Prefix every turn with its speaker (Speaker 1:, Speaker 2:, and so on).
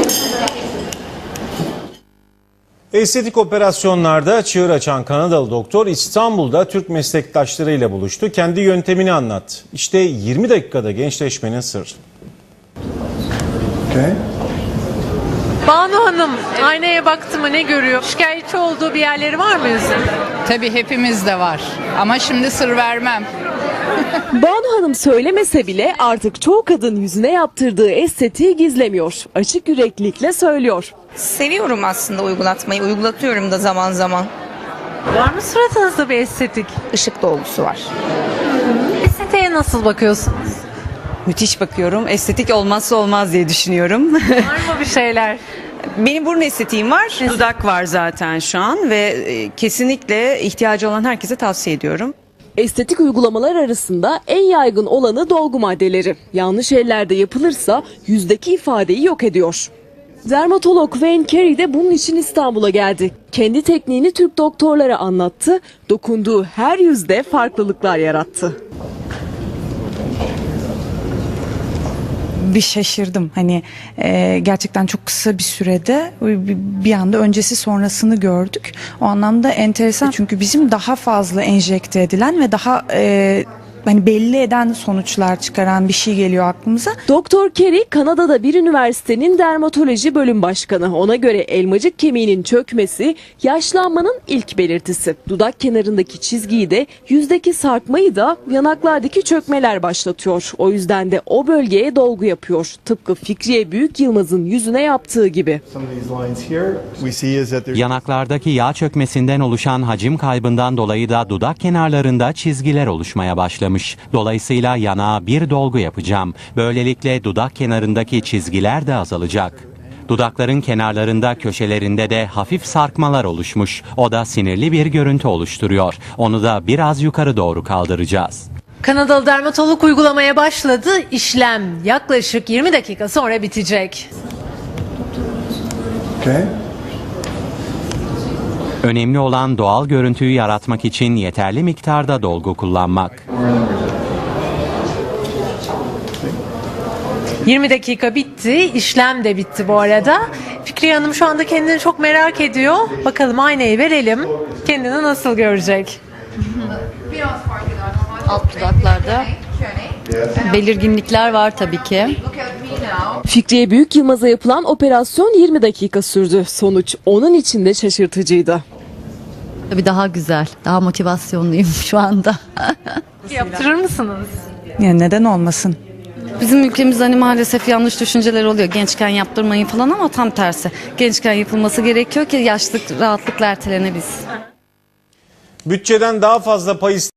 Speaker 1: Estetik operasyonlarda çığır açan Kanadalı doktor İstanbul'da Türk meslektaşlarıyla buluştu. Kendi yöntemini anlattı. İşte 20 dakikada gençleşmenin sırrı.
Speaker 2: Banu Hanım aynaya baktı mı ne görüyor? Şikayetçi olduğu bir yerleri var mı yüzünde?
Speaker 3: Tabii hepimizde var ama şimdi sır vermem.
Speaker 4: Banu Hanım söylemese bile artık çoğu kadın yüzüne yaptırdığı estetiği gizlemiyor. Açık yüreklilikle söylüyor.
Speaker 5: Seviyorum aslında uygulatmayı. Uygulatıyorum da zaman zaman.
Speaker 2: Var mı suratınızda bir estetik?
Speaker 5: Işık dolgusu var.
Speaker 2: Estetiğe nasıl bakıyorsunuz?
Speaker 6: Müthiş bakıyorum. Estetik olmazsa olmaz diye düşünüyorum.
Speaker 2: Var mı bir şeyler?
Speaker 6: Benim burun estetiğim var. Dudak var zaten şu an ve kesinlikle ihtiyacı olan herkese tavsiye ediyorum.
Speaker 4: Estetik uygulamalar arasında en yaygın olanı dolgu maddeleri. Yanlış ellerde yapılırsa yüzdeki ifadeyi yok ediyor. Dermatolog Wayne Carey de bunun için İstanbul'a geldi. Kendi tekniğini Türk doktorlara anlattı. Dokunduğu her yüzde farklılıklar yarattı.
Speaker 7: Bir şaşırdım. Hani gerçekten çok kısa bir sürede bir anda öncesi sonrasını gördük. O anlamda enteresan çünkü bizim daha fazla enjekte edilen ve daha hani belli eden sonuçlar çıkaran bir şey geliyor aklımıza.
Speaker 4: Doktor Carey Kanada'da bir üniversitenin dermatoloji bölüm başkanı. Ona göre elmacık kemiğinin çökmesi yaşlanmanın ilk belirtisi. Dudak kenarındaki çizgiyi de yüzdeki sarkmayı da yanaklardaki çökmeler başlatıyor. O yüzden de o bölgeye dolgu yapıyor. Tıpkı Fikriye Büyük Yılmaz'ın yüzüne yaptığı gibi.
Speaker 8: Yanaklardaki yağ çökmesinden oluşan hacim kaybından dolayı da dudak kenarlarında çizgiler oluşmaya başlamış. Dolayısıyla yanağa bir dolgu yapacağım. Böylelikle dudak kenarındaki çizgiler de azalacak. Dudakların kenarlarında, köşelerinde de hafif sarkmalar oluşmuş. O da sinirli bir görüntü oluşturuyor. Onu da biraz yukarı doğru kaldıracağız.
Speaker 2: Kanadalı dermatolog uygulamaya başladı. İşlem yaklaşık 20 dakika sonra bitecek.
Speaker 8: Önemli olan doğal görüntüyü yaratmak için yeterli miktarda dolgu kullanmak.
Speaker 2: 20 dakika bitti. İşlem de bitti bu arada. Fikriye Hanım şu anda kendini çok merak ediyor. Bakalım aynayı verelim. Kendini nasıl görecek?
Speaker 9: Alt dudaklarda belirginlikler var tabii ki.
Speaker 4: Fikriye Büyük Yılmaz'a yapılan operasyon 20 dakika sürdü. Sonuç onun için de şaşırtıcıydı.
Speaker 9: Tabii daha güzel, daha motivasyonluyum şu anda.
Speaker 2: Yaptırır mısınız?
Speaker 7: Yani neden olmasın?
Speaker 9: Bizim ülkemizde hani maalesef yanlış düşünceler oluyor. Gençken yaptırmayın falan ama tam tersi. Gençken yapılması gerekiyor ki yaşlılık rahatlıkla ertelenebilsin.
Speaker 1: Bütçeden daha fazla pay